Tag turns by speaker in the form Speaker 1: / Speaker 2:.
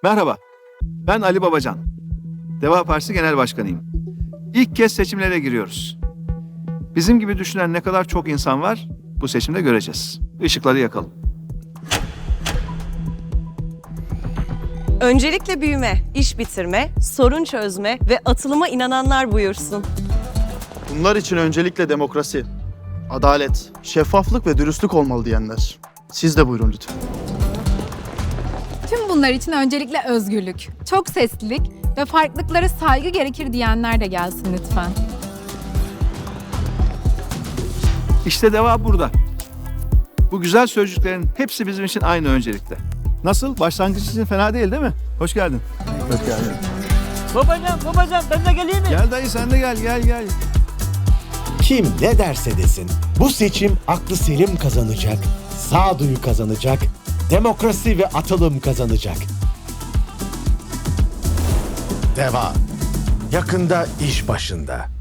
Speaker 1: Merhaba, ben Ali Babacan. Deva Partisi Genel Başkanıyım. İlk kez seçimlere giriyoruz. Bizim gibi düşünen ne kadar çok insan var bu seçimde göreceğiz. Işıkları yakalım.
Speaker 2: Öncelikle büyüme, iş bitirme, sorun çözme ve atılıma inananlar buyursun.
Speaker 3: Bunlar için öncelikle demokrasi, adalet, şeffaflık ve dürüstlük olmalı diyenler. Siz de buyurun lütfen.
Speaker 4: Tüm bunlar için öncelikle özgürlük, çok seslilik ve farklılıklara saygı gerekir diyenler de gelsin lütfen.
Speaker 1: İşte deva burada. Bu güzel sözcüklerin hepsi bizim için aynı öncelikte. Nasıl? Başlangıç için fena değil mi? Hoş geldin. Hoş geldin.
Speaker 5: Babacan ben de geleyim mi?
Speaker 1: Gel dayı sen de gel.
Speaker 6: Kim ne derse desin bu seçim aklı selim kazanacak, sağduyu kazanacak, demokrasi ve atılım kazanacak. Deva yakında iş başında.